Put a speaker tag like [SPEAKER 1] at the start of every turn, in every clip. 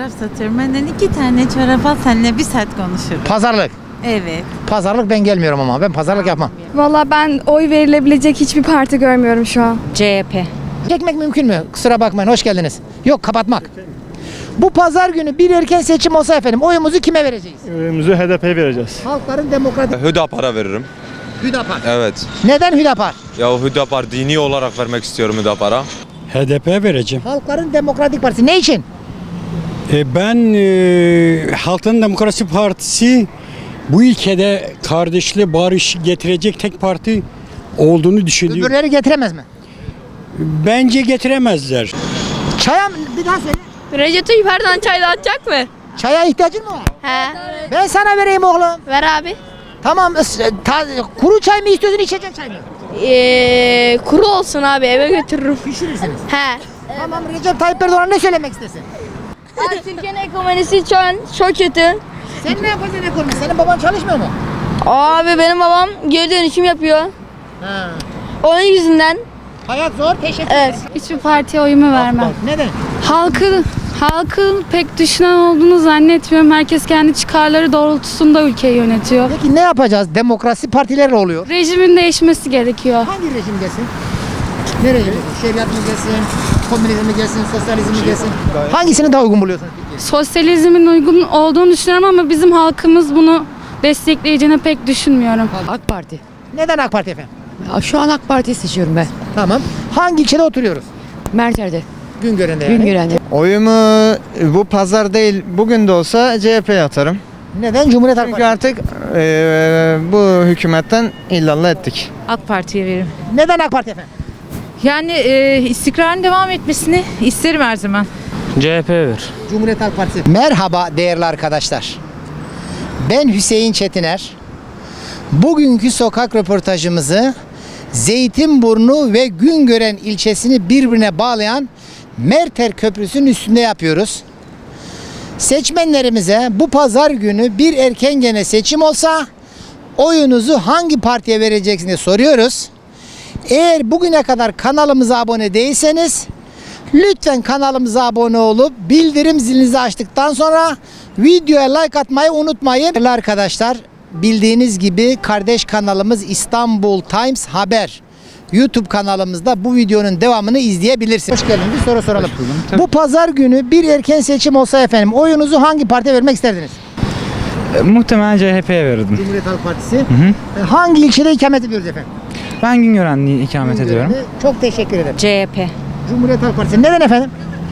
[SPEAKER 1] çorap satıyorum. Benden 2 tane çorap al, seninle 1 saat konuşurum.
[SPEAKER 2] Pazarlık.
[SPEAKER 1] Evet.
[SPEAKER 2] Pazarlık ben gelmiyorum ama. Ben pazarlık yapmam.
[SPEAKER 3] Valla ben oy verilebilecek hiçbir parti görmüyorum şu an.
[SPEAKER 4] CHP.
[SPEAKER 2] Çekmek mümkün mü? Kusura bakmayın. Hoş geldiniz. Yok, kapatmak. Bu pazar günü bir erken seçim olsa efendim oyumuzu kime vereceğiz?
[SPEAKER 5] Oyumuzu HDP'ye vereceğiz.
[SPEAKER 2] Halkların Demokratik
[SPEAKER 6] Hüdapar'a veririm.
[SPEAKER 2] Hüdapar.
[SPEAKER 6] Evet.
[SPEAKER 2] Neden Hüdapar?
[SPEAKER 6] Ya Hüdapar dini olarak vermek istiyorum Hüdapar'a.
[SPEAKER 7] HDP vereceğim.
[SPEAKER 2] Halkların Demokratik Partisi. Ne için?
[SPEAKER 7] Ben Halkın Demokrasi Partisi bu ülkede kardeşliği, barış getirecek tek parti olduğunu düşünüyorum.
[SPEAKER 2] Öbürleri getiremez mi?
[SPEAKER 7] Bence getiremezler.
[SPEAKER 2] Çaya bir daha söyle.
[SPEAKER 3] Recep Tayyip Erdoğan çay dağıtacak mı?
[SPEAKER 2] Çaya ihtiyacın mı var?
[SPEAKER 3] He.
[SPEAKER 2] Ben sana vereyim oğlum.
[SPEAKER 3] Ver abi.
[SPEAKER 2] Tamam. Kuru çay mı istiyorsun, içecek çay mı?
[SPEAKER 3] Kuru olsun abi, eve götürürüm.
[SPEAKER 2] Pişirirsiniz.
[SPEAKER 3] He.
[SPEAKER 2] Tamam, Recep Tayyip Erdoğan'a ne söylemek istersin?
[SPEAKER 3] Abi Türkiye'nin ekonomisi şu an çok kötü.
[SPEAKER 2] Sen ne yapacaksın ekonomi? Senin baban çalışmıyor mu?
[SPEAKER 3] Abi benim babam geri dönüşüm yapıyor.
[SPEAKER 2] Ha.
[SPEAKER 3] Onun yüzünden.
[SPEAKER 2] Hayat zor. Teşekkür
[SPEAKER 3] Evet.
[SPEAKER 2] ederim.
[SPEAKER 8] Hiçbir partiye oyumu vermem.
[SPEAKER 2] Neden?
[SPEAKER 8] Halkı pek düşünen olduğunu zannetmiyorum. Herkes kendi çıkarları doğrultusunda ülkeyi yönetiyor.
[SPEAKER 2] Peki ne yapacağız? Demokrasi partileri oluyor.
[SPEAKER 8] Rejimin değişmesi gerekiyor.
[SPEAKER 2] Hangi rejim gelsin? Ne rejim? Şeriat mı gelsin? Komünizm mi gelsin? Sosyalizm mi gelsin? Hangisini daha uygun buluyorsunuz peki?
[SPEAKER 8] Sosyalizmin uygun olduğunu düşünüyorum ama bizim halkımız bunu destekleyeceğini pek düşünmüyorum.
[SPEAKER 4] AK Parti.
[SPEAKER 2] Neden AK Parti efendim?
[SPEAKER 4] Şu an AK Parti'yi seçiyorum ben.
[SPEAKER 2] Tamam. Hangi ilçede oturuyoruz?
[SPEAKER 4] Merter'de.
[SPEAKER 2] Güngören'de yani.
[SPEAKER 4] Güngören'de.
[SPEAKER 9] Oyumu bu pazar değil bugün de olsa CHP'ye atarım.
[SPEAKER 2] Neden? Cumhuriyet Halk
[SPEAKER 9] Çünkü
[SPEAKER 2] Partisi.
[SPEAKER 9] artık bu hükümetten illallah ettik.
[SPEAKER 10] AK Parti'ye veririm.
[SPEAKER 2] Neden AK Parti efendim?
[SPEAKER 10] Yani istikrarın devam etmesini isterim her zaman.
[SPEAKER 5] CHP ver.
[SPEAKER 2] Cumhuriyet Halk Partisi. Merhaba değerli arkadaşlar. Ben Hüseyin Çetiner. Bugünkü sokak röportajımızı Zeytinburnu ve Güngören ilçesini birbirine bağlayan Merter Köprüsü'nün üstünde yapıyoruz. Seçmenlerimize bu pazar günü bir erken gene seçim olsa oyunuzu hangi partiye vereceksiniz diye soruyoruz. Eğer bugüne kadar kanalımıza abone değilseniz lütfen kanalımıza abone olup bildirim zilinizi açtıktan sonra videoya like atmayı unutmayın. Değerli arkadaşlar, bildiğiniz gibi kardeş kanalımız İstanbul Times Haber YouTube kanalımızda bu videonun devamını izleyebilirsiniz. Hoş geldiniz. Bir soru soralım. Bu pazar günü bir erken seçim olsa efendim oyunuzu hangi partiye vermek isterdiniz?
[SPEAKER 5] Muhtemelen CHP'ye verirdim.
[SPEAKER 2] Cumhuriyet Halk Partisi. Hangi ilçede ikamet ediyoruz efendim?
[SPEAKER 5] Ben Güngören'de ikamet ediyorum.
[SPEAKER 2] Çok teşekkür ederim.
[SPEAKER 4] CHP.
[SPEAKER 2] Cumhuriyet Halk Partisi. Neden efendim?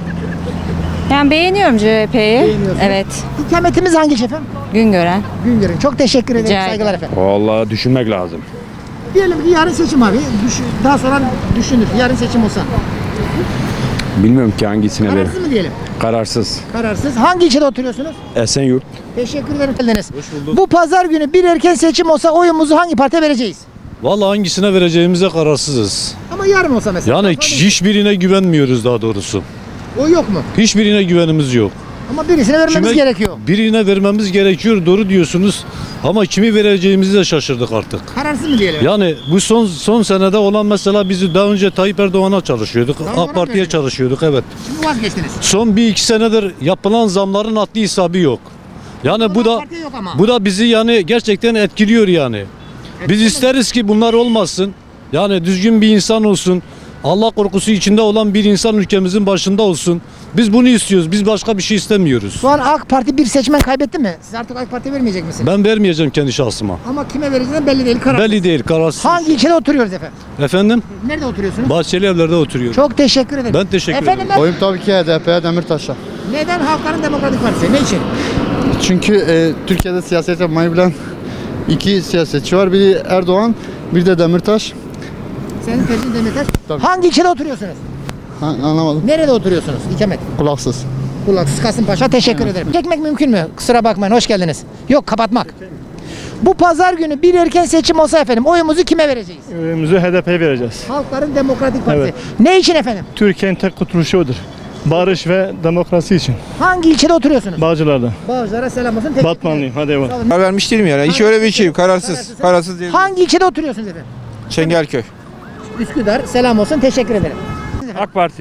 [SPEAKER 4] Yani beğeniyorum CHP'yi.
[SPEAKER 2] Beğeniyorsunuz.
[SPEAKER 4] Evet.
[SPEAKER 2] İkametimiz hangi ilçe efendim?
[SPEAKER 4] Güngören.
[SPEAKER 2] Güngören. Çok teşekkür ederim.
[SPEAKER 4] Rica ederim.
[SPEAKER 2] Saygılar efendim.
[SPEAKER 5] Vallahi düşünmek lazım.
[SPEAKER 2] Diyelim ki yarın seçim abi. Daha sonra düşünür. Yarın seçim olsa.
[SPEAKER 5] Bilmiyorum ki hangisine veririm.
[SPEAKER 2] Kararsız mı diyelim?
[SPEAKER 5] Kararsız.
[SPEAKER 2] Kararsız. Hangi ilçede oturuyorsunuz?
[SPEAKER 5] Esenyurt.
[SPEAKER 2] Teşekkür ederim. Geldiniz. Bu pazar günü bir erken seçim olsa oyumuzu hangi partiye vereceğiz?
[SPEAKER 11] Vallahi hangisine vereceğimize kararsızız.
[SPEAKER 2] Ama yarın olsa mesela.
[SPEAKER 11] Yani hiçbirine güvenmiyoruz daha doğrusu.
[SPEAKER 2] O yok mu?
[SPEAKER 11] Hiçbirine güvenimiz yok.
[SPEAKER 2] Ama birisine vermemiz
[SPEAKER 11] Kime-
[SPEAKER 2] gerekiyor.
[SPEAKER 11] Birine vermemiz gerekiyor, doğru diyorsunuz. Ama kimi vereceğimizi de şaşırdık artık.
[SPEAKER 2] Kararsız mı diyelim?
[SPEAKER 11] Yani bu son senede olan mesela bizi daha önce Tayyip Erdoğan'a çalışıyorduk.
[SPEAKER 2] Daha
[SPEAKER 11] AK
[SPEAKER 2] ona
[SPEAKER 11] Parti'ye
[SPEAKER 2] verdiniz.
[SPEAKER 11] çalışıyorduk, evet.
[SPEAKER 2] Şimdi vazgeçtiniz.
[SPEAKER 11] Son 1-2 senedir yapılan zamların haddi hesabı yok. Yani bu da
[SPEAKER 2] AK Parti'ye yok ama.
[SPEAKER 11] bu da bizi yani gerçekten etkiliyor yani. Biz isteriz ki bunlar olmasın. Yani düzgün bir insan olsun. Allah korkusu içinde olan bir insan ülkemizin başında olsun. Biz bunu istiyoruz. Biz başka bir şey istemiyoruz.
[SPEAKER 2] Şu an AK Parti bir seçmen kaybetti mi? Siz artık AK Parti'ye vermeyecek misiniz?
[SPEAKER 11] Ben vermeyeceğim kendi şahsıma.
[SPEAKER 2] Ama kime vereceğiniz belli değil. Kararsız.
[SPEAKER 11] Belli değil, kararsız.
[SPEAKER 2] Hangi ilçede oturuyoruz efendim?
[SPEAKER 11] Efendim?
[SPEAKER 2] Nerede oturuyorsunuz?
[SPEAKER 11] Bahçeli Evler'de oturuyorum.
[SPEAKER 2] Çok teşekkür ederim.
[SPEAKER 11] Ben teşekkür
[SPEAKER 2] Efendim,
[SPEAKER 11] ederim.
[SPEAKER 9] Oyum tabii ki HDP'ye, Demirtaş'a.
[SPEAKER 2] neden Halkların Demokratik Partisi? Ne için?
[SPEAKER 9] Çünkü Türkiye'de siyaset yapmayı bilen iki siyasetçi var. Biri Erdoğan, bir de Demirtaş.
[SPEAKER 2] Senin tercihin Demirtaş.
[SPEAKER 9] Tabii.
[SPEAKER 2] Hangi ilçede oturuyorsunuz?
[SPEAKER 9] Anlamadım.
[SPEAKER 2] Nerede oturuyorsunuz? İkamet.
[SPEAKER 9] Kulaksız.
[SPEAKER 2] Kulaksız Kasımpaşa. Teşekkür ederim. Çekmek mümkün mü? Kusura bakmayın. Hoş geldiniz. Yok, kapatmak. Bu pazar günü bir erken seçim olsa efendim oyumuzu kime vereceğiz?
[SPEAKER 5] Oyumuzu HDP'ye vereceğiz.
[SPEAKER 2] Halkların Demokratik Partisi.
[SPEAKER 5] Evet.
[SPEAKER 2] Ne için efendim?
[SPEAKER 5] Türkiye'nin tek kurtuluşu odur. Barış ve demokrasi için.
[SPEAKER 2] Hangi ilçede oturuyorsunuz?
[SPEAKER 5] Bağcılar'da.
[SPEAKER 2] Bağcılar'a selam olsun. Teşekkür
[SPEAKER 5] Batmanlıyım. Hadi eyvallah.
[SPEAKER 6] Karar vermiş değilim yani. Hiç öyle bir şey. Kararsız. Kararsız değil.
[SPEAKER 2] Hangi ilçede oturuyorsunuz efendim?
[SPEAKER 6] Çengelköy.
[SPEAKER 2] Üsküdar. Selam olsun. Teşekkür ederim.
[SPEAKER 5] AK Parti'ye.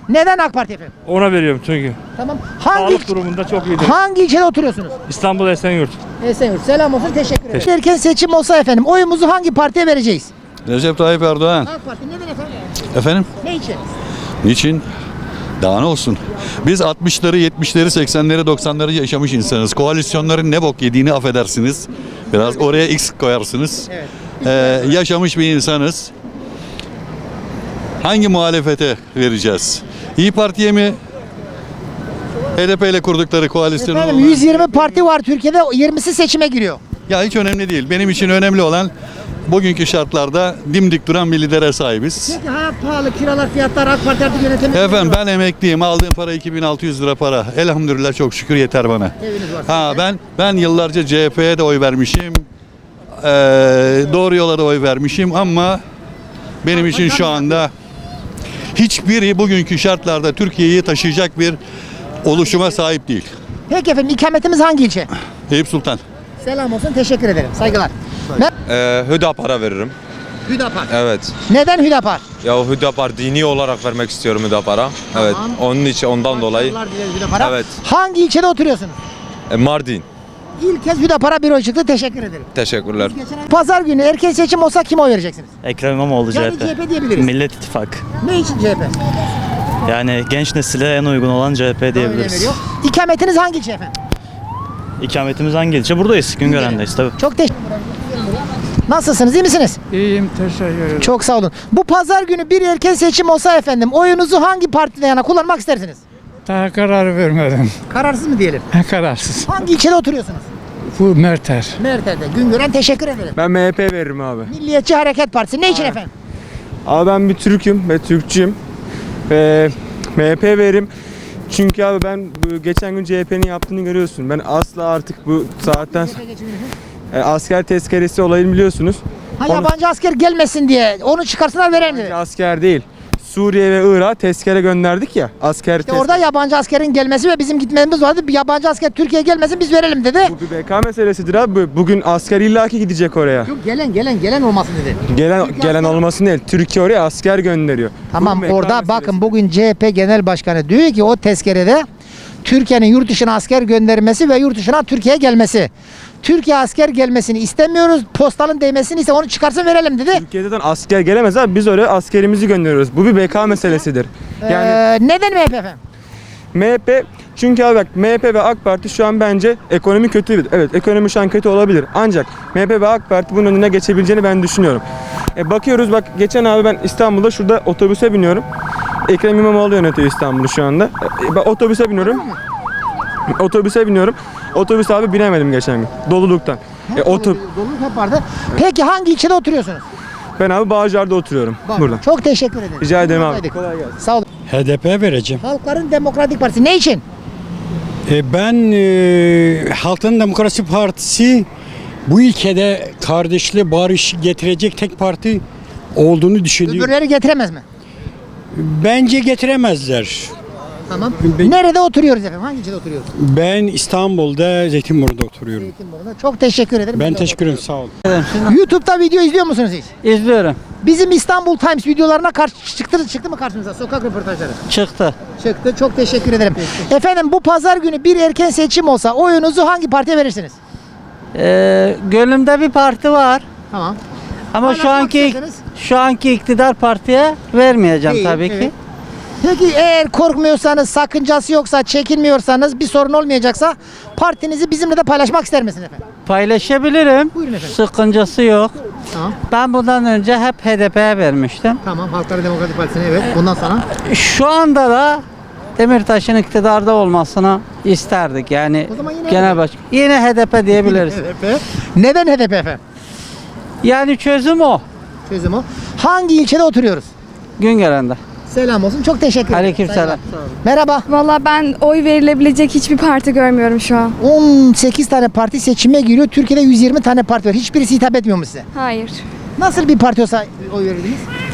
[SPEAKER 2] Neden AK Parti efendim?
[SPEAKER 5] Ona veriyorum çünkü.
[SPEAKER 2] Tamam.
[SPEAKER 5] Sağlık durumunda çok iyidir.
[SPEAKER 2] Hangi ilçede oturuyorsunuz?
[SPEAKER 5] İstanbul Esenyurt.
[SPEAKER 2] Esenyurt. Selam olsun. Teşekkür ederim. Erken seçim olsa efendim oyumuzu hangi partiye vereceğiz?
[SPEAKER 9] Recep Tayyip Erdoğan.
[SPEAKER 2] AK Parti. Neden efendim?
[SPEAKER 9] Efendim?
[SPEAKER 2] Ne için?
[SPEAKER 9] Niçin? Daha ne olsun? Biz 60'ları, 70'leri, 80'leri, 90'ları yaşamış insanız. Koalisyonların ne bok yediğini affedersiniz. Biraz oraya X koyarsınız. Yaşamış bir insanız. Hangi muhalefete vereceğiz? İyi Parti'ye mi? HDP ile kurdukları koalisyonu.
[SPEAKER 2] Efendim 120 parti var Türkiye'de. 20'si seçime giriyor.
[SPEAKER 9] Ya hiç önemli değil. Benim için önemli olan bugünkü şartlarda dimdik duran bir lidere sahibiz.
[SPEAKER 2] Peki hayat pahalı, kiralar, fiyatlar AK Parti artık yönetimi.
[SPEAKER 9] Efendim ben emekliyim. Aldığım para 2600 lira para. Elhamdülillah çok şükür yeter bana.
[SPEAKER 2] Eviniz var.
[SPEAKER 9] Ha ben yıllarca CHP'ye de oy vermişim. Doğru yola da oy vermişim ama benim için şu anda hiçbiri bugünkü şartlarda Türkiye'yi taşıyacak bir oluşuma sahip değil.
[SPEAKER 2] Peki efendim ikametimiz hangi ilçe?
[SPEAKER 9] Eyüp Sultan.
[SPEAKER 2] Selam olsun. Teşekkür ederim. Saygılar.
[SPEAKER 6] Hüdapar'a veririm.
[SPEAKER 2] Hüdapar.
[SPEAKER 6] Evet.
[SPEAKER 2] Neden Hüdapar?
[SPEAKER 6] Ya Hüdapar dini olarak vermek istiyorum Hüdapar'a. Evet. Onun için ondan dolayı.
[SPEAKER 2] Başarılar dileriz Hüdapar'a.
[SPEAKER 6] Evet.
[SPEAKER 2] Hangi ilçede oturuyorsunuz?
[SPEAKER 6] Mardin.
[SPEAKER 2] İlk kez Hüdapar'a bir oy çıktı. Teşekkür ederim.
[SPEAKER 6] Teşekkürler.
[SPEAKER 2] Pazar günü erken seçim olsa kime oy vereceksiniz?
[SPEAKER 12] Ekrem İmamoğlu
[SPEAKER 2] Yani CHP diyebiliriz.
[SPEAKER 12] Millet İttifakı.
[SPEAKER 2] Ne için CHP?
[SPEAKER 12] Yani genç nesile en uygun olan CHP
[SPEAKER 2] Öyle
[SPEAKER 12] diyebiliriz.
[SPEAKER 2] veriyor. İkametiniz hangi ilçe efendim?
[SPEAKER 12] İkametimiz hangi ilçe? Buradayız. Güngören'deyiz tabii.
[SPEAKER 2] Çok teşekkür ederim. Nasılsınız? İyi misiniz?
[SPEAKER 7] İyiyim, teşekkür ederim.
[SPEAKER 2] Çok sağ olun. Bu pazar günü bir erken seçim olsa efendim oyunuzu hangi partiden yana kullanmak istersiniz?
[SPEAKER 7] Daha karar vermedim.
[SPEAKER 2] Kararsız mı diyelim?
[SPEAKER 7] Kararsız.
[SPEAKER 2] Hangi ilçede oturuyorsunuz?
[SPEAKER 7] Bu Merter.
[SPEAKER 2] Merter'de. Güngören teşekkür ederim.
[SPEAKER 5] Ben MHP veririm abi.
[SPEAKER 2] Milliyetçi Hareket Partisi. Ne için efendim?
[SPEAKER 5] Abi ben bir Türk'üm ve Türkçüyüm. MHP veririm. Çünkü abi ben geçen gün CHP'nin yaptığını görüyorsun. Ben asla artık bu saatten asker tezkeresi olayını biliyorsunuz.
[SPEAKER 2] Yabancı asker gelmesin diye onu çıkarsınlar verelim dedi.
[SPEAKER 5] Asker değil. Suriye ve Irak'a tezkere gönderdik ya. Asker
[SPEAKER 2] İşte orada yabancı askerin gelmesi ve bizim gitmemiz vardı. Bir yabancı asker Türkiye'ye gelmesin biz verelim dedi.
[SPEAKER 5] Bu bir BK meselesidir abi. Bugün asker illaki gidecek oraya.
[SPEAKER 2] Yok gelen olmasın dedi.
[SPEAKER 5] Gelen olmasın değil. Türkiye oraya asker gönderiyor.
[SPEAKER 2] Tamam
[SPEAKER 5] Bu BK
[SPEAKER 2] orada
[SPEAKER 5] meselesi.
[SPEAKER 2] bakın bugün CHP Genel Başkanı diyor ki o tezkerede Türkiye'nin yurt dışına asker göndermesi ve yurt dışına Türkiye'ye gelmesi. Türkiye asker gelmesini istemiyoruz. Postalın değmesini ise onu çıkarsın verelim dedi.
[SPEAKER 5] Türkiye'den asker gelemez abi. Biz oraya askerimizi gönderiyoruz. Bu bir BK meselesidir. Yani
[SPEAKER 2] Neden MHP efendim?
[SPEAKER 5] MHP çünkü abi bak MHP ve AK Parti şu an bence ekonomi kötü. Evet ekonomi şu an kötü olabilir. Ancak MHP ve AK Parti bunun önüne geçebileceğini ben düşünüyorum. Bakıyoruz bak geçen abi ben İstanbul'da şurada otobüse biniyorum. Ekrem İmamoğlu yönetiyor İstanbul'u şu anda. Ben otobüse biniyorum. Otobüs abi binemedim geçen gün. Doluluktan.
[SPEAKER 2] Doluluk hep vardı. Peki hangi ilçede oturuyorsunuz?
[SPEAKER 5] Ben abi Bağcılar'da oturuyorum. Burada.
[SPEAKER 2] Çok teşekkür ederim.
[SPEAKER 5] Rica ederim abi.
[SPEAKER 2] Buradaydık.
[SPEAKER 5] Kolay gelsin.
[SPEAKER 2] Sağ olun.
[SPEAKER 7] HDP vereceğim.
[SPEAKER 2] Halkların Demokratik Partisi ne için?
[SPEAKER 7] Ben Halkın Demokrasi Partisi bu ülkede kardeşliği, barış getirecek tek parti olduğunu düşünüyorum.
[SPEAKER 2] Öbürleri getiremez mi?
[SPEAKER 7] Bence getiremezler.
[SPEAKER 2] Tamam. Nerede oturuyoruz efendim? Hangi ilçede oturuyoruz?
[SPEAKER 7] Ben İstanbul'da Zeytinburnu'da oturuyorum.
[SPEAKER 2] Zeytinburnu'da. Çok teşekkür ederim.
[SPEAKER 7] Ben teşekkür ederim, sağ olun.
[SPEAKER 2] YouTube'da video izliyor musunuz hiç?
[SPEAKER 1] İzliyorum.
[SPEAKER 2] Bizim İstanbul Times videolarına çıktı mı karşınıza sokak röportajları?
[SPEAKER 1] Çıktı.
[SPEAKER 2] Çıktı. Çok teşekkür ederim. Efendim bu pazar günü bir erken seçim olsa oyunuzu hangi partiye verirsiniz?
[SPEAKER 1] Gönlümde bir parti var.
[SPEAKER 2] Tamam.
[SPEAKER 1] Ama
[SPEAKER 2] Anlatmak istediniz.
[SPEAKER 1] şu anki iktidar partiye vermeyeceğim
[SPEAKER 2] Değil,
[SPEAKER 1] tabii
[SPEAKER 2] evet.
[SPEAKER 1] ki.
[SPEAKER 2] Peki eğer korkmuyorsanız, sakıncası yoksa, çekinmiyorsanız, bir sorun olmayacaksa partinizi bizimle de paylaşmak ister misiniz efendim?
[SPEAKER 1] Paylaşabilirim.
[SPEAKER 2] Buyurun efendim.
[SPEAKER 1] Sıkıncası yok.
[SPEAKER 2] Tamam.
[SPEAKER 1] Ben bundan önce hep HDP'ye vermiştim.
[SPEAKER 2] Tamam. Halkların Demokratik Partisi'ne evet. Bundan sonra?
[SPEAKER 1] Şu anda da Demirtaş'ın iktidarda olmasını isterdik. Yani
[SPEAKER 2] O zaman yine
[SPEAKER 1] genel
[SPEAKER 2] HDP.
[SPEAKER 1] başkan. Yine HDP diyebiliriz.
[SPEAKER 2] HDP. Neden HDP efendim?
[SPEAKER 1] Yani çözüm o.
[SPEAKER 2] Çözüm o. Hangi ilçede oturuyoruz?
[SPEAKER 1] Güngören'de.
[SPEAKER 2] Selam olsun. Çok teşekkür ederim.
[SPEAKER 1] Aleykümselam.
[SPEAKER 2] Saygılar. Merhaba.
[SPEAKER 3] Valla ben oy verilebilecek hiçbir parti görmüyorum şu an.
[SPEAKER 2] 18 tane parti seçime giriyor. Türkiye'de 120 tane parti var. Hiçbirisi hitap etmiyor mu size?
[SPEAKER 3] Hayır.
[SPEAKER 2] Nasıl bir parti olsa oy verirdiniz?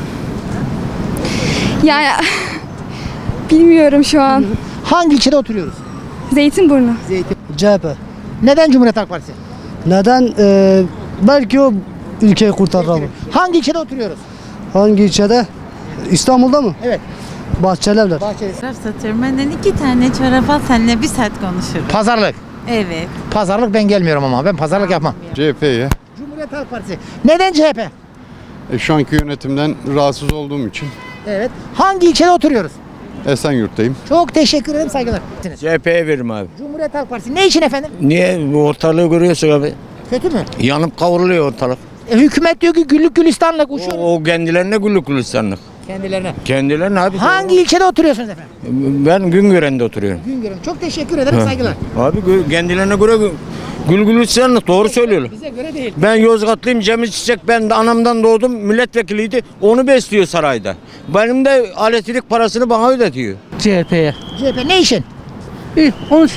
[SPEAKER 3] Yani bilmiyorum şu an.
[SPEAKER 2] Hangi ilçede oturuyoruz?
[SPEAKER 3] Zeytinburnu.
[SPEAKER 2] CHP. Neden Cumhuriyet Halk Partisi?
[SPEAKER 13] Neden? Belki o ülkeyi kurtarır abi.
[SPEAKER 2] Hangi ilçede oturuyoruz?
[SPEAKER 13] Hangi ilçede? İstanbul'da mı?
[SPEAKER 2] Evet.
[SPEAKER 13] Bahçelievler.
[SPEAKER 10] Satıyorum. Benden 2 tane çorap al, seninle 1 saat konuşurum.
[SPEAKER 2] Pazarlık.
[SPEAKER 10] Evet.
[SPEAKER 2] Pazarlık ben gelmiyorum ama ben pazarlık yapmam.
[SPEAKER 9] CHP'ye.
[SPEAKER 2] Cumhuriyet Halk Partisi. Neden CHP?
[SPEAKER 9] Şu anki yönetimden rahatsız olduğum için
[SPEAKER 2] Evet. Hangi ilçede oturuyoruz?
[SPEAKER 9] Esenyurt'tayım.
[SPEAKER 2] Çok teşekkür ederim, saygılar.
[SPEAKER 14] CHP'ye veririm abi.
[SPEAKER 2] Cumhuriyet Halk Partisi. Ne için efendim?
[SPEAKER 14] Niye? Bu ortalığı görüyorsun abi.
[SPEAKER 2] Kötü mü?
[SPEAKER 14] Yanıp kavruluyor ortalık.
[SPEAKER 2] Hükümet diyor ki güllük gülistanlık uçuyoruz.
[SPEAKER 14] O kendilerine güllük gülistanlık.
[SPEAKER 2] Kendilerine.
[SPEAKER 14] Kendilerine abi.
[SPEAKER 2] Hangi ilçede oturuyorsunuz efendim?
[SPEAKER 14] Ben Güngören'de oturuyorum.
[SPEAKER 2] Güngören. Çok teşekkür ederim, saygılar.
[SPEAKER 14] Abi kendilerine göre gül gülistanlık, doğru söylüyorlar.
[SPEAKER 2] Bize göre değil.
[SPEAKER 14] Ben Yozgatlıyım, Cemil Çiçek, ben de anamdan doğdum, milletvekiliydi. Onu besliyor sarayda. Benim de elektrik parasını bana ödetiyor.
[SPEAKER 1] CHP'ye.
[SPEAKER 2] CHP ne için?
[SPEAKER 1] Onu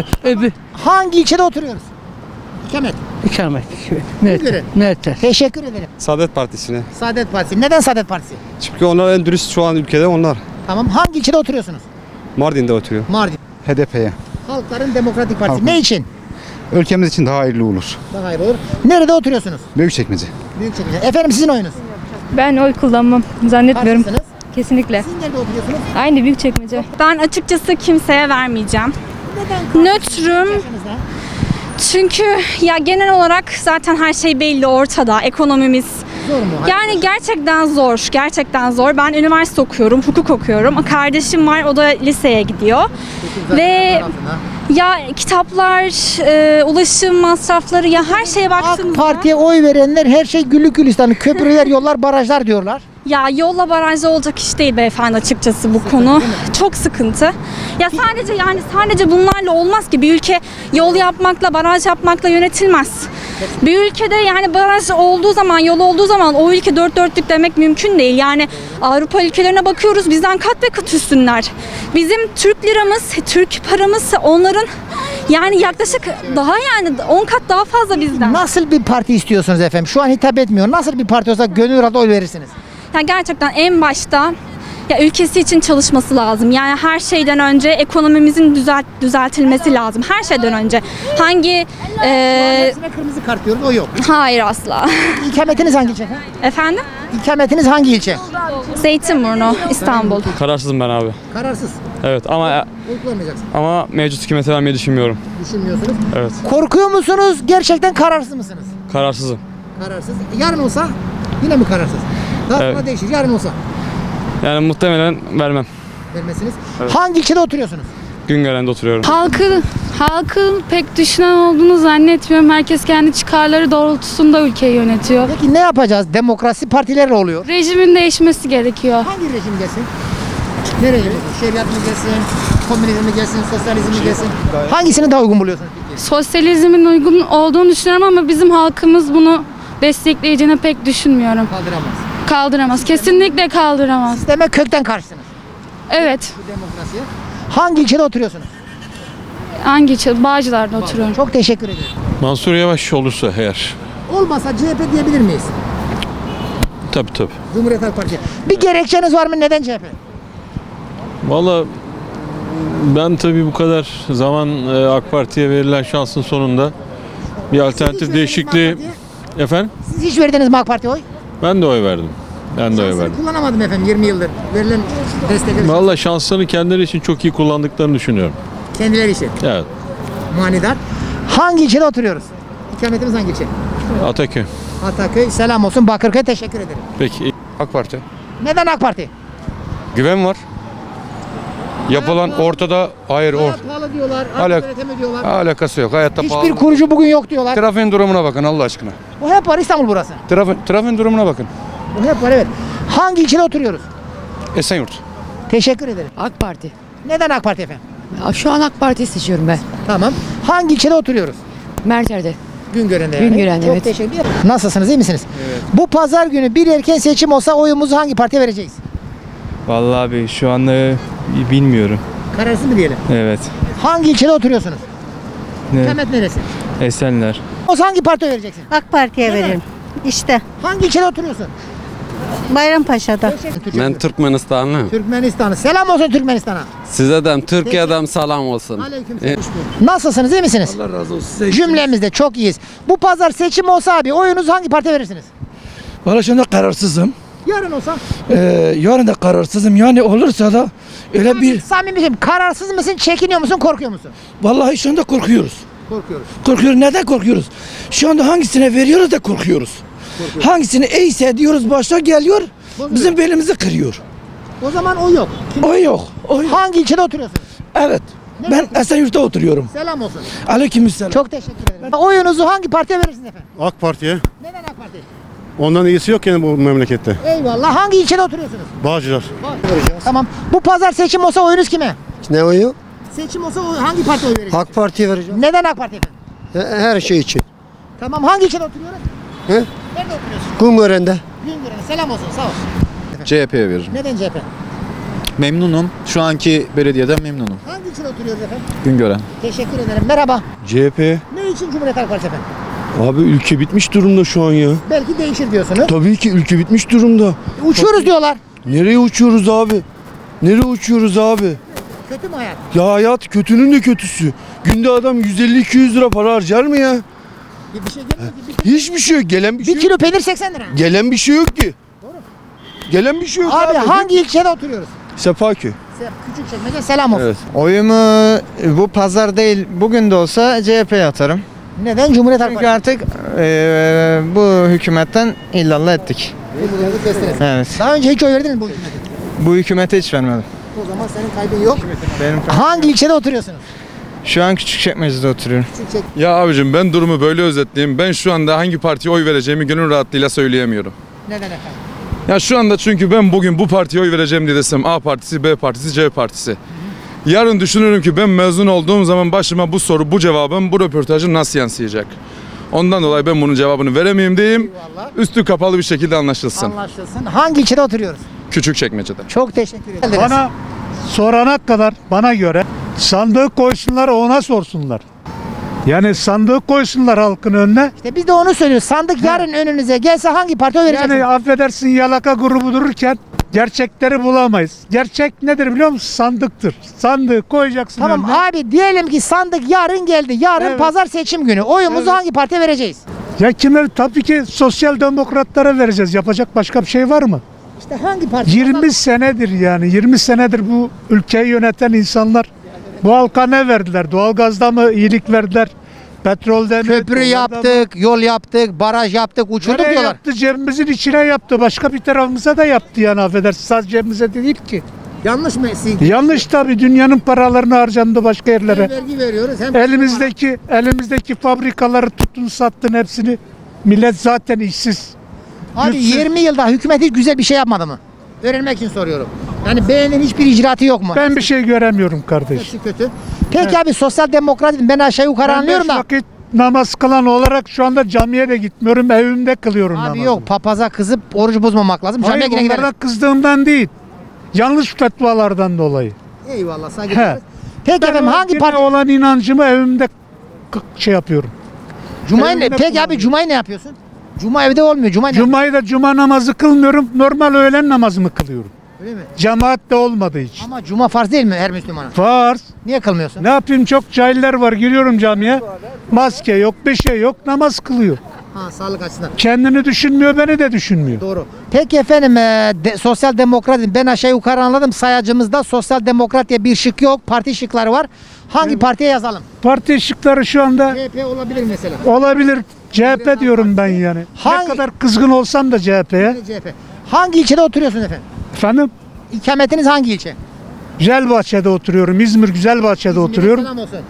[SPEAKER 2] Hangi ilçede oturuyoruz? İkamet.
[SPEAKER 1] ikamet.
[SPEAKER 2] Güngören. Teşekkür ederim.
[SPEAKER 5] Saadet Partisi'ne.
[SPEAKER 2] Saadet Partisi. Neden Saadet Partisi?
[SPEAKER 5] Çünkü onlar en dürüst şu an ülkede onlar.
[SPEAKER 2] Tamam. Hangi ilçede oturuyorsunuz?
[SPEAKER 5] Mardin'de oturuyor.
[SPEAKER 2] Mardin.
[SPEAKER 9] HDP'ye.
[SPEAKER 2] Halkların Demokratik Partisi.
[SPEAKER 9] Halkın.
[SPEAKER 2] Ne için?
[SPEAKER 9] Ülkemiz için daha hayırlı olur.
[SPEAKER 2] Daha hayır olur. Nerede oturuyorsunuz?
[SPEAKER 9] Büyükçekmece.
[SPEAKER 2] Büyükçekmece. Efendim sizin oyunuz?
[SPEAKER 8] Ben oy kullanmam. Zannetmiyorum.
[SPEAKER 2] Partisiniz.
[SPEAKER 8] Kesinlikle.
[SPEAKER 2] Siz nerede oturuyorsunuz?
[SPEAKER 8] Aynı Büyükçekmece.
[SPEAKER 3] Ben açıkçası kimseye vermeyeceğim.
[SPEAKER 2] Neden?
[SPEAKER 3] Nötrüm.
[SPEAKER 2] Yaşınızda?
[SPEAKER 3] Çünkü ya genel olarak zaten her şey belli ortada. Ekonomimiz.
[SPEAKER 2] Zor mu?
[SPEAKER 3] Yani gerçekten zor. Gerçekten zor. Ben üniversite okuyorum, hukuk okuyorum. Kardeşim var, o da liseye gidiyor. Ve ya kitaplar, ulaşım masrafları, ya her şeye
[SPEAKER 2] AK
[SPEAKER 3] baktığımızda
[SPEAKER 2] Parti'ye oy verenler her şey güllük gülistanlık. Köprüler, yollar, barajlar diyorlar.
[SPEAKER 3] ya yolla barajda olacak iş değil beyefendi, açıkçası bu konu. Çok sıkıntı. Ya sadece bunlarla olmaz ki. Bir ülke yol yapmakla, baraj yapmakla yönetilmez. Bir ülkede yani baraj olduğu zaman, yol olduğu zaman o ülke dört dörtlük demek mümkün değil. Yani Avrupa ülkelerine bakıyoruz, bizden kat ve kat üstünler. Bizim Türk liramız, Türk paramız onların yani yaklaşık daha yani 10 kat daha fazla bizden.
[SPEAKER 2] Nasıl bir parti istiyorsunuz efendim? Şu an hitap etmiyor. Nasıl bir parti olsa gönül rahatlığı oy verirsiniz?
[SPEAKER 3] Yani gerçekten en başta ya ülkesi için çalışması lazım. Yani her şeyden önce ekonomimizin düzeltilmesi lazım. Her şeyden önce. Hangi
[SPEAKER 2] Hepsine kırmızı kart diyoruz, o yok.
[SPEAKER 3] hayır asla.
[SPEAKER 2] İkametiniz hangi ilçe efendim?
[SPEAKER 3] Efendim?
[SPEAKER 2] İkametiniz hangi ilçe?
[SPEAKER 3] Zeytinburnu, İstanbul.
[SPEAKER 5] Kararsızım ben abi.
[SPEAKER 2] Kararsız.
[SPEAKER 5] Evet ama
[SPEAKER 2] Oy kullanmayacaksın.
[SPEAKER 5] mevcut hükümete vermeyi düşünmüyorum.
[SPEAKER 2] Düşünmüyorsunuz.
[SPEAKER 5] Evet.
[SPEAKER 2] Korkuyor musunuz? Gerçekten kararsız mısınız?
[SPEAKER 5] Kararsızım.
[SPEAKER 2] Kararsız. Yarın olsa yine mi kararsız? Daha sonra
[SPEAKER 5] Evet.
[SPEAKER 2] değişir. Yarın olsa
[SPEAKER 5] Yani muhtemelen vermem.
[SPEAKER 2] vermesiniz. Hangi ilçede oturuyorsunuz?
[SPEAKER 5] Güngören'de oturuyorum.
[SPEAKER 8] Halkın pek düşünen olduğunu zannetmiyorum. Herkes kendi çıkarları doğrultusunda ülkeyi yönetiyor.
[SPEAKER 2] Peki ne yapacağız? Demokrasi partilerle oluyor.
[SPEAKER 8] Rejimin değişmesi gerekiyor.
[SPEAKER 2] Hangi rejim gelsin? Ne rejim? Şeriat mı gelsin? Komünizm mi gelsin? Sosyalizm mi gelsin? Hangisini daha uygun buluyorsunuz peki?
[SPEAKER 8] Sosyalizmin uygun olduğunu düşünüyorum ama bizim halkımız bunu destekleyeceğini pek düşünmüyorum.
[SPEAKER 2] Kaldıramaz.
[SPEAKER 8] Kaldıramaz. Kesinlikle kaldıramaz.
[SPEAKER 2] Demek kökten karşısınız
[SPEAKER 8] Evet.
[SPEAKER 2] bu demokrasiye. Hangi ilçede oturuyorsunuz?
[SPEAKER 8] Hangi ilçe? Bağcılar'da oturuyorum.
[SPEAKER 2] Çok teşekkür ederim.
[SPEAKER 9] Mansur Yavaş olursa eğer.
[SPEAKER 2] Olmasa CHP diyebilir miyiz?
[SPEAKER 9] Tabii.
[SPEAKER 2] Cumhuriyet Halk Partisi. Bir gerekçeniz var mı? Neden CHP?
[SPEAKER 11] Valla ben tabii bu kadar zaman AK Parti'ye verilen şansın sonunda bir alternatif değişikliği... Efendim?
[SPEAKER 2] Siz hiç verdiniz mi AK Parti'ye oy?
[SPEAKER 11] Ben de oy verdim.
[SPEAKER 2] Şansını kullanamadım efendim 20 yıldır. Verilen destekleri
[SPEAKER 11] Valla şanslarını kendileri için çok iyi kullandıklarını düşünüyorum.
[SPEAKER 2] kendileri için.
[SPEAKER 11] Evet.
[SPEAKER 2] Manidar. Hangi ilçede oturuyoruz? İkametimiz hangi ilçe?
[SPEAKER 11] Ataköy.
[SPEAKER 2] Ataköy. Selam olsun. Bakırköy. Teşekkür ederim.
[SPEAKER 11] Peki.
[SPEAKER 9] AK Parti.
[SPEAKER 2] Neden AK Parti?
[SPEAKER 9] Güven var. Yapılan ortada hayır
[SPEAKER 2] Hayat pahalı diyorlar.
[SPEAKER 9] Alak-
[SPEAKER 2] Öğretemi diyorlar.
[SPEAKER 9] alakası yok. Hayatta
[SPEAKER 2] Hiçbir kurucu bugün yok diyorlar.
[SPEAKER 9] Trafiğin durumuna bakın Allah aşkına.
[SPEAKER 2] Bu hep var İstanbul burası.
[SPEAKER 9] Trafiğin durumuna bakın.
[SPEAKER 2] Bu hep var evet. Hangi ilçede oturuyoruz?
[SPEAKER 9] Esenyurt.
[SPEAKER 2] Teşekkür ederim.
[SPEAKER 4] AK Parti.
[SPEAKER 2] Neden AK Parti efendim?
[SPEAKER 4] Şu an AK Parti'yi seçiyorum ben.
[SPEAKER 2] Tamam. Hangi ilçede oturuyoruz?
[SPEAKER 4] Merter'de.
[SPEAKER 2] Güngören'de yani.
[SPEAKER 4] Güngören'de,
[SPEAKER 2] Çok
[SPEAKER 4] evet.
[SPEAKER 2] teşekkür ederim. Nasılsınız? İyi misiniz? Evet. Bu pazar günü bir erken seçim olsa oyumuzu hangi partiye vereceğiz?
[SPEAKER 5] Vallahi abi şu anda bilmiyorum.
[SPEAKER 2] Kararsız mı diyelim?
[SPEAKER 5] Evet.
[SPEAKER 2] Hangi ilçede oturuyorsunuz? İkamet neresi?
[SPEAKER 5] Esenler.
[SPEAKER 2] O hangi partiye vereceksin?
[SPEAKER 13] AK Parti'ye
[SPEAKER 2] Neden?
[SPEAKER 13] veririm. İşte
[SPEAKER 2] Hangi ilçede oturuyorsun?
[SPEAKER 13] Bayrampaşa'da.
[SPEAKER 1] Ben Türkmenistanlı.
[SPEAKER 2] Türkmenistan'ı. Selam olsun Türkmenistan'a.
[SPEAKER 1] Size de Türkiye'den selam olsun.
[SPEAKER 2] Aleykümselam. Nasılsınız? İyi misiniz?
[SPEAKER 1] Allah razı olsun.
[SPEAKER 2] Cümlemizde çok iyiyiz. Bu pazar seçim olsa abi oyunuzu hangi partiye verirsiniz?
[SPEAKER 14] Valla şimdi kararsızım.
[SPEAKER 2] Yarın olsa?
[SPEAKER 15] Yarın da kararsızım. Yani olursa da öyle bir...
[SPEAKER 2] Samimiyim. Kararsız mısın, çekiniyor musun, korkuyor musun?
[SPEAKER 15] Vallahi şu anda korkuyoruz.
[SPEAKER 2] Korkuyoruz.
[SPEAKER 15] Korkuyoruz. Neden korkuyoruz? Şu anda hangisine veriyoruz da korkuyoruz. Hangisini iyiyse diyoruz başta geliyor, bizim belimizi kırıyor.
[SPEAKER 2] O zaman o yok.
[SPEAKER 15] O yok. O yok.
[SPEAKER 2] Hangi ilçede oturuyorsunuz?
[SPEAKER 15] Evet. Ben Esenyurt'ta oturuyorum.
[SPEAKER 2] Selam olsun.
[SPEAKER 15] Aleykümselam.
[SPEAKER 2] Çok teşekkür ederim. Oyunuzu hangi partiye verirsiniz efendim?
[SPEAKER 7] AK Parti'ye.
[SPEAKER 2] Neden AK Parti?
[SPEAKER 7] Ondan iyisi yok yani bu memlekette.
[SPEAKER 2] Eyvallah. Hangi ilçede oturuyorsunuz?
[SPEAKER 7] Bağcılar.
[SPEAKER 2] Tamam. Bu pazar seçim olsa oyunuz kime?
[SPEAKER 16] Ne oyu?
[SPEAKER 2] Seçim olsa hangi partiye oy vereceksiniz?
[SPEAKER 16] AK Parti'ye vereceğim.
[SPEAKER 2] Neden AK Parti efendim?
[SPEAKER 16] Her şey için.
[SPEAKER 2] Tamam. Hangi ilçede oturuyorsun?
[SPEAKER 16] He?
[SPEAKER 2] Nerede oturuyorsun?
[SPEAKER 16] Kumören'de.
[SPEAKER 2] Güngören'e. Selam olsun. Sağ ol.
[SPEAKER 17] CHP'ye veririm.
[SPEAKER 2] Neden CHP?
[SPEAKER 17] Memnunum. Şu anki belediyeden memnunum.
[SPEAKER 2] Hangi ilçede oturuyoruz efendim?
[SPEAKER 17] Güngören.
[SPEAKER 2] Teşekkür ederim. Merhaba.
[SPEAKER 7] CHP.
[SPEAKER 2] Ne için Cumhuriyet Halk Partisi efendim?
[SPEAKER 7] Abi ülke bitmiş durumda şu an ya.
[SPEAKER 2] Belki değişir diyorsunuz.
[SPEAKER 7] Tabii ki ülke bitmiş durumda.
[SPEAKER 2] Uçuyoruz diyorlar.
[SPEAKER 7] Nereye uçuyoruz abi? Nereye uçuyoruz abi?
[SPEAKER 2] Kötü mü hayat?
[SPEAKER 7] Ya hayat kötünün de kötüsü. Günde adam 150-200 lira para harcar mı ya?
[SPEAKER 2] Bir şey gelmiyor ki.
[SPEAKER 7] Hiçbir şey yok. Gelen bir şey
[SPEAKER 2] Bir
[SPEAKER 7] yok.
[SPEAKER 2] kilo peynir 80 lira.
[SPEAKER 7] Gelen bir şey yok ki. Gelen bir şey yok
[SPEAKER 2] Abi hangi ilçede oturuyoruz?
[SPEAKER 7] Sepaköy.
[SPEAKER 2] Küçükçekmece. Selam olsun.
[SPEAKER 18] Oyumu bu pazar değil bugün de olsa CHP'ye atarım.
[SPEAKER 2] Neden Cumhuriyet Halk
[SPEAKER 18] Çünkü
[SPEAKER 2] Partisi?
[SPEAKER 18] artık bu hükümetten illallah ettik. Evet.
[SPEAKER 2] Daha önce hiç oy verdiniz mi bu hükümete?
[SPEAKER 18] Bu hükümete hiç vermedim.
[SPEAKER 2] O zaman senin kaybın yok.
[SPEAKER 18] Benim
[SPEAKER 2] Hangi ilçede oturuyorsunuz?
[SPEAKER 18] şu an Küçükçekmece'de oturuyorum.
[SPEAKER 6] Ya abicim ben durumu böyle özetleyeyim. Ben şu anda hangi partiye oy vereceğimi gönül rahatlığıyla söyleyemiyorum.
[SPEAKER 2] Neden efendim?
[SPEAKER 6] Ya şu anda çünkü ben bugün bu partiye oy vereceğim diye desem A partisi, B partisi, C partisi. Yarın düşünürüm ki ben mezun olduğum zaman başıma bu soru, bu cevabım, bu röportajım nasıl yansıyacak? Ondan dolayı ben bunun cevabını veremeyeyim diyeyim.
[SPEAKER 2] Eyvallah.
[SPEAKER 6] Üstü kapalı bir şekilde anlaşılsın.
[SPEAKER 2] Anlaşılsın. Hangi ilçede oturuyoruz?
[SPEAKER 6] Küçükçekmece'de.
[SPEAKER 2] Çok teşekkür ederim.
[SPEAKER 7] Bana sorana kadar bana göre sandığı koysunlar ona sorsunlar. Yani sandığı koysunlar halkın önüne.
[SPEAKER 2] İşte biz de onu söylüyoruz. Sandık yarın önünüze gelse hangi partiye oy vereceksiniz?
[SPEAKER 7] Yani affedersin yalaka grubu dururken gerçekleri bulamayız. Gerçek nedir biliyor musun? Sandıktır. Sandığı koyacaksın
[SPEAKER 2] Tamam
[SPEAKER 7] önüne.
[SPEAKER 2] abi diyelim ki sandık yarın geldi. Yarın
[SPEAKER 7] Evet.
[SPEAKER 2] pazar seçim günü. Oyumuzu hangi partiye vereceğiz?
[SPEAKER 7] Ya kime? Tabii ki sosyal demokratlara vereceğiz. Yapacak başka bir şey var mı?
[SPEAKER 2] İşte hangi parti?
[SPEAKER 7] 20 senedir yani 20 senedir bu ülkeyi yöneten insanlar bu halka ne verdiler? Doğalgazda mı iyilik verdiler? Petrolden mi?
[SPEAKER 2] Köprü
[SPEAKER 7] dolardan mı?
[SPEAKER 2] yaptık, yol yaptık, baraj yaptık, uçurduk
[SPEAKER 7] Nereye
[SPEAKER 2] diyorlar.
[SPEAKER 7] yaptı? Cebimizin içine yaptı. Başka bir tarafımıza da yaptı yani affedersin. Sadece cebimize de değil ki.
[SPEAKER 2] Yanlış mı?
[SPEAKER 7] Yanlış tabii. Dünyanın paralarını harcandı başka yerlere.
[SPEAKER 2] Hem vergi veriyoruz hem
[SPEAKER 7] Elimizdeki fabrikaları tuttun sattın hepsini. Millet zaten işsiz.
[SPEAKER 2] Abi
[SPEAKER 7] Güçsüz.
[SPEAKER 2] 20 yılda hükümet hiç güzel bir şey yapmadı mı? Öğrenmek için soruyorum. Yani beğenen hiçbir icraatı yok mu?
[SPEAKER 7] Ben bir şey göremiyorum kardeş.
[SPEAKER 2] Hepsi kötü. Peki abi sosyal demokrat ben aşağı yukarı
[SPEAKER 7] Ben
[SPEAKER 2] anlıyorum
[SPEAKER 7] 5
[SPEAKER 2] da.
[SPEAKER 7] vakit namaz kılan olarak şu anda camiye de gitmiyorum. Evimde kılıyorum
[SPEAKER 2] Abi
[SPEAKER 7] namazımı.
[SPEAKER 2] yok papaza kızıp orucu bozmamak lazım. Camiye
[SPEAKER 7] Hayır
[SPEAKER 2] yine gideriz.
[SPEAKER 7] onlardan kızdığımdan değil. Yanlış fetvalardan dolayı.
[SPEAKER 2] Eyvallah saygı
[SPEAKER 7] He.
[SPEAKER 2] duyuyoruz. Peki
[SPEAKER 7] Ben
[SPEAKER 2] efendim
[SPEAKER 7] o
[SPEAKER 2] hangi
[SPEAKER 7] dine
[SPEAKER 2] parti?
[SPEAKER 7] olan inancımı evimde şey yapıyorum.
[SPEAKER 2] Cuma'yı ne?
[SPEAKER 7] evimde
[SPEAKER 2] Peki abi
[SPEAKER 7] kullanıyorum.
[SPEAKER 2] Cuma'yı ne yapıyorsun? Cuma evde olmuyor.
[SPEAKER 7] Cuma'yı da cuma namazı kılmıyorum. Normal öğlen namazımı kılıyorum.
[SPEAKER 2] Öyle mi?
[SPEAKER 7] Cemaat de olmadığı için.
[SPEAKER 2] Ama Cuma farz değil mi her Müslümana?
[SPEAKER 7] Farz.
[SPEAKER 2] Niye kılmıyorsun?
[SPEAKER 7] Ne yapayım çok cahiller var. Giriyorum camiye. Maske yok, bir şey yok. Namaz kılıyor.
[SPEAKER 2] Ha sağlık açısından.
[SPEAKER 7] Kendini düşünmüyor, beni de düşünmüyor.
[SPEAKER 2] Doğru. Peki efendim sosyal demokratım ben aşağı yukarı anladım. Sayacımızda sosyal demokrat diye bir şık yok. Parti şıkları var. Hangi partiye yazalım?
[SPEAKER 7] Parti ışıkları şu anda
[SPEAKER 2] CHP olabilir mesela.
[SPEAKER 7] olabilir. CHP diyorum ben yani.
[SPEAKER 2] Hangi-
[SPEAKER 7] Ne kadar kızgın olsam da CHP'ye.
[SPEAKER 2] CHP. Hangi ilçede oturuyorsunuz efendim?
[SPEAKER 7] Efendim?
[SPEAKER 2] İkametiniz hangi ilçe?
[SPEAKER 7] Güzelbahçe'de oturuyorum. İzmir Güzelbahçe'de oturuyorum.
[SPEAKER 2] Selam olsun.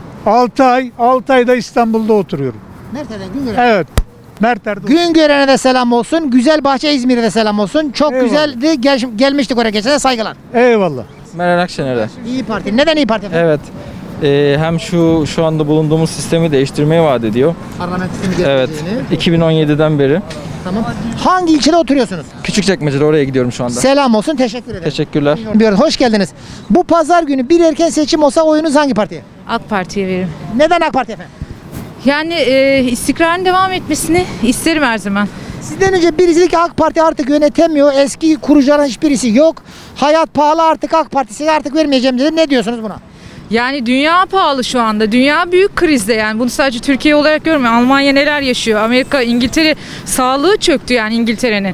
[SPEAKER 7] 6 ayda İstanbul'da oturuyorum.
[SPEAKER 2] Mert'ten Güngören.
[SPEAKER 7] Evet. Merter'de.
[SPEAKER 2] Güngören'e de selam olsun. Güzelbahçe İzmir'e de selam olsun. Çok
[SPEAKER 7] Eyvallah.
[SPEAKER 2] güzeldi. Gelmiştik oraya geçen de saygılar.
[SPEAKER 7] Eyvallah.
[SPEAKER 19] Meral Akşener'de.
[SPEAKER 2] İyi Parti. Neden İyi Parti efendim?
[SPEAKER 19] Evet. Hem şu anda bulunduğumuz sistemi değiştirmeyi vaat ediyor.
[SPEAKER 2] Parlamento sistemi
[SPEAKER 19] Evet.
[SPEAKER 2] getireceğini.
[SPEAKER 19] 2017'den beri.
[SPEAKER 2] Tamam. Hangi ilçede oturuyorsunuz?
[SPEAKER 19] Küçükçekmece'de oraya gidiyorum şu anda.
[SPEAKER 2] Selam olsun. Teşekkür ederim.
[SPEAKER 19] Teşekkürler.
[SPEAKER 2] Diyoruz. Hoş geldiniz. Bu pazar günü bir erken seçim olsa oyunuz hangi partiye?
[SPEAKER 10] AK Parti'ye veririm.
[SPEAKER 2] Neden AK Parti efendim?
[SPEAKER 10] Yani istikrarın devam etmesini isterim her zaman.
[SPEAKER 2] Sizden önce birisi dedi ki AK Parti artık yönetemiyor. Eski kurucuların hiçbirisi yok. Hayat pahalı artık AK Partisi'ne artık vermeyeceğim dedi. Ne diyorsunuz buna?
[SPEAKER 10] Yani dünya pahalı şu anda. Dünya büyük krizde yani. Bunu sadece Türkiye olarak görmüyor. Almanya neler yaşıyor? Amerika, İngiltere sağlığı çöktü yani İngiltere'nin.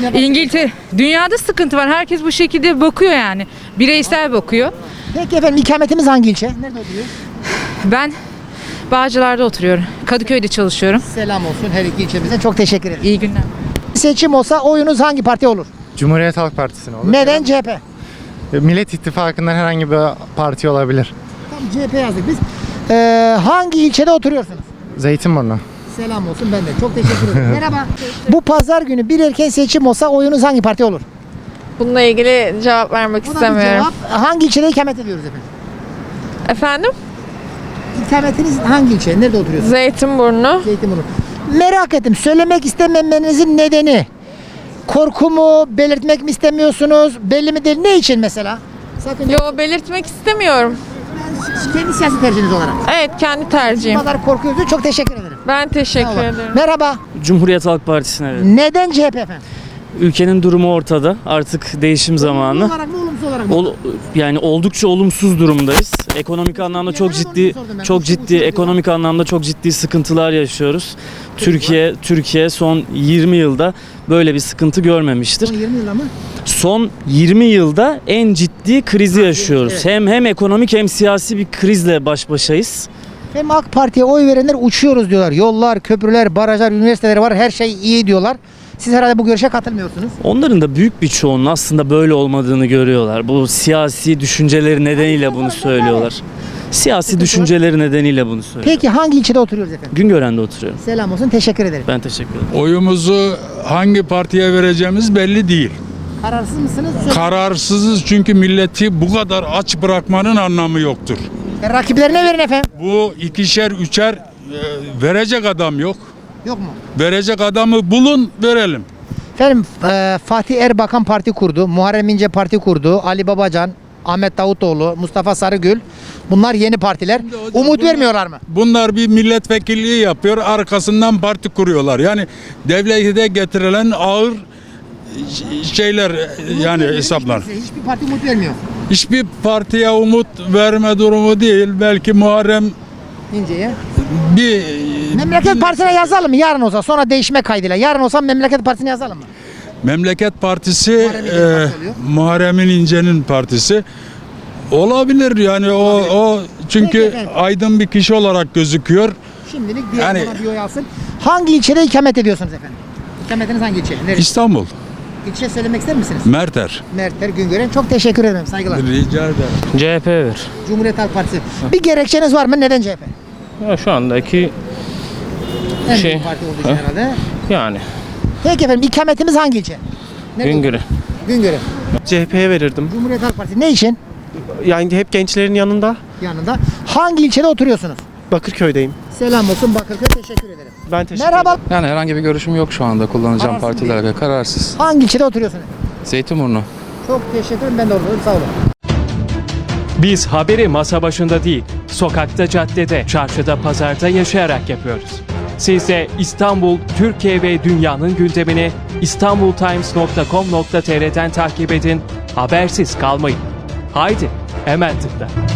[SPEAKER 10] Dünyada sıkıntı var. Herkes bu şekilde bakıyor yani. Bireysel bakıyor.
[SPEAKER 2] Peki efendim ikametimiz hangi ilçe? Nerede oturuyor?
[SPEAKER 10] Ben Bağcılar'da oturuyorum. Kadıköy'de çalışıyorum.
[SPEAKER 2] Selam olsun her iki ilçemize. Çok teşekkür ederim.
[SPEAKER 10] İyi günler.
[SPEAKER 2] Seçim olsa oyunuz hangi partiye olur?
[SPEAKER 18] Cumhuriyet Halk Partisi'ne olur.
[SPEAKER 2] Neden CHP?
[SPEAKER 18] Millet İttifakı'ndan herhangi bir parti olabilir.
[SPEAKER 2] Tam CHP yazdık biz. Hangi ilçede oturuyorsunuz?
[SPEAKER 18] Zeytinburnu.
[SPEAKER 2] Selam olsun ben de. Çok teşekkür ederim. Merhaba. Bu pazar günü bir erken seçim olsa oyunuz hangi partiye olur?
[SPEAKER 20] Bununla ilgili cevap vermek
[SPEAKER 2] Bu da bir
[SPEAKER 20] istemiyorum.
[SPEAKER 2] cevap. Hangi ilçede ikamet ediyoruz efendim?
[SPEAKER 20] Efendim?
[SPEAKER 2] İkametiniz hangi ilçe? Nerede oturuyorsunuz?
[SPEAKER 20] Zeytinburnu.
[SPEAKER 2] Zeytinburnu. Merak ettim. Söylemek istememenizin nedeni korku mu? Belirtmek mi istemiyorsunuz? Belli mi değil? Ne için mesela? Sakın.
[SPEAKER 20] Yo, belirtmek istemiyorum.
[SPEAKER 2] Kendi siyasi tercihiniz olarak.
[SPEAKER 20] Evet, kendi tercihim.
[SPEAKER 2] Bu kadar korkuyorsunuz. Çok teşekkür ederim.
[SPEAKER 20] Ben teşekkür ederim.
[SPEAKER 2] Merhaba.
[SPEAKER 19] Cumhuriyet Halk Partisi'ne evet.
[SPEAKER 2] Neden CHP efendim?
[SPEAKER 19] Ülkenin durumu ortada. Artık değişim zamanı.
[SPEAKER 2] Olumlu olarak mı olumsuz olarak mı?
[SPEAKER 19] Yani oldukça olumsuz durumdayız. Ekonomik anlamda çok ciddi ekonomik anlamda çok ciddi sıkıntılar yaşıyoruz. Türkiye son 20 yılda böyle bir sıkıntı görmemiştir.
[SPEAKER 2] Son 20 yılda mı?
[SPEAKER 19] Son 20 yılda en ciddi krizi yaşıyoruz.
[SPEAKER 2] evet.
[SPEAKER 19] Hem ekonomik hem siyasi bir krizle baş başayız.
[SPEAKER 2] Hem AK Parti'ye oy verenler uçuyoruz diyorlar. Yollar, köprüler, barajlar, üniversiteler var. Her şey iyi diyorlar. Siz herhalde bu görüşe katılmıyorsunuz.
[SPEAKER 19] Onların da büyük bir çoğunun aslında böyle olmadığını görüyorlar. Bu siyasi düşünceleri nedeniyle bunu söylüyorlar. Siyasi düşünceleri nedeniyle bunu söylüyorlar.
[SPEAKER 2] Peki hangi ilçede oturuyoruz efendim?
[SPEAKER 19] Güngören'de oturuyorum.
[SPEAKER 2] Selam olsun. Teşekkür ederim.
[SPEAKER 19] Ben teşekkür ederim.
[SPEAKER 6] Oyumuzu hangi partiye vereceğimiz belli değil.
[SPEAKER 2] Kararsız mısınız?
[SPEAKER 6] Kararsızız çünkü milleti bu kadar aç bırakmanın anlamı yoktur.
[SPEAKER 2] Rakiplerine verin efendim.
[SPEAKER 6] Bu ikişer, üçer verecek adam yok.
[SPEAKER 2] Yok mu?
[SPEAKER 6] Verecek adamı bulun, verelim.
[SPEAKER 2] Efendim Fatih Erbakan parti kurdu. Muharrem İnce parti kurdu. Ali Babacan, Ahmet Davutoğlu, Mustafa Sarıgül. Bunlar yeni partiler. Umut vermiyorlar mı?
[SPEAKER 6] Bunlar bir milletvekilliği yapıyor, arkasından parti kuruyorlar. Yani devlete getirilen ağır şeyler yani hesaplar.
[SPEAKER 2] Hiçbir parti umut vermiyor.
[SPEAKER 6] Hiçbir partiye umut verme durumu değil. Belki Muharrem
[SPEAKER 2] İnce'ye.
[SPEAKER 6] bir
[SPEAKER 2] Memleket Partisi'ne yazalım mı? Yarın olsa sonra değişme kaydıyla. Yarın olsa Memleket Partisi'ne yazalım mı?
[SPEAKER 6] Memleket Partisi
[SPEAKER 2] Muharrem
[SPEAKER 6] Muharrem İnce'nin partisi olabilir yani o çünkü
[SPEAKER 2] Peki efendim.
[SPEAKER 6] aydın bir kişi olarak gözüküyor.
[SPEAKER 2] Şimdilik
[SPEAKER 6] Yani-
[SPEAKER 2] ona bir oy alsın. Hangi ilçede ikamet ediyorsunuz efendim? İkametiniz hangi ilçe? Neresi?
[SPEAKER 6] İstanbul,
[SPEAKER 2] İlçe söylemek ister misiniz?
[SPEAKER 6] Merter.
[SPEAKER 2] Mertler Güngören. Çok teşekkür ederim. Saygılar.
[SPEAKER 6] Rica ederim.
[SPEAKER 19] CHP ver.
[SPEAKER 2] Cumhuriyet Halk Partisi. Bir gerekçeniz var mı? Neden CHP?
[SPEAKER 19] Şu andaki
[SPEAKER 2] En büyük parti olduğu için herhalde.
[SPEAKER 19] yani
[SPEAKER 2] Peki efendim ikametimiz hangi ilçe? Nerede? Güngören.
[SPEAKER 21] CHP'ye verirdim.
[SPEAKER 2] Cumhuriyet Halk Partisi. Ne için?
[SPEAKER 21] Yani hep gençlerin yanında.
[SPEAKER 2] Yanında. Hangi ilçede oturuyorsunuz?
[SPEAKER 21] Bakırköy'deyim.
[SPEAKER 2] Selam olsun Bakırköy. Teşekkür ederim.
[SPEAKER 21] Ben teşekkür
[SPEAKER 2] Merhaba.
[SPEAKER 17] Yani herhangi bir görüşüm yok şu anda kullanacağım
[SPEAKER 2] Kararsız
[SPEAKER 17] partilerle. Kararsız.
[SPEAKER 2] Hangi ilçede oturuyorsunuz?
[SPEAKER 17] Zeytinburnu.
[SPEAKER 2] Çok teşekkür ederim. Ben de oradayım. Sağ olun.
[SPEAKER 22] Biz haberi masa başında değil, sokakta, caddede, çarşıda, pazarda yaşayarak yapıyoruz. Siz de İstanbul, Türkiye ve dünyanın gündemini istanbultimes.com.tr'den takip edin, habersiz kalmayın. Haydi, hemen tıkla.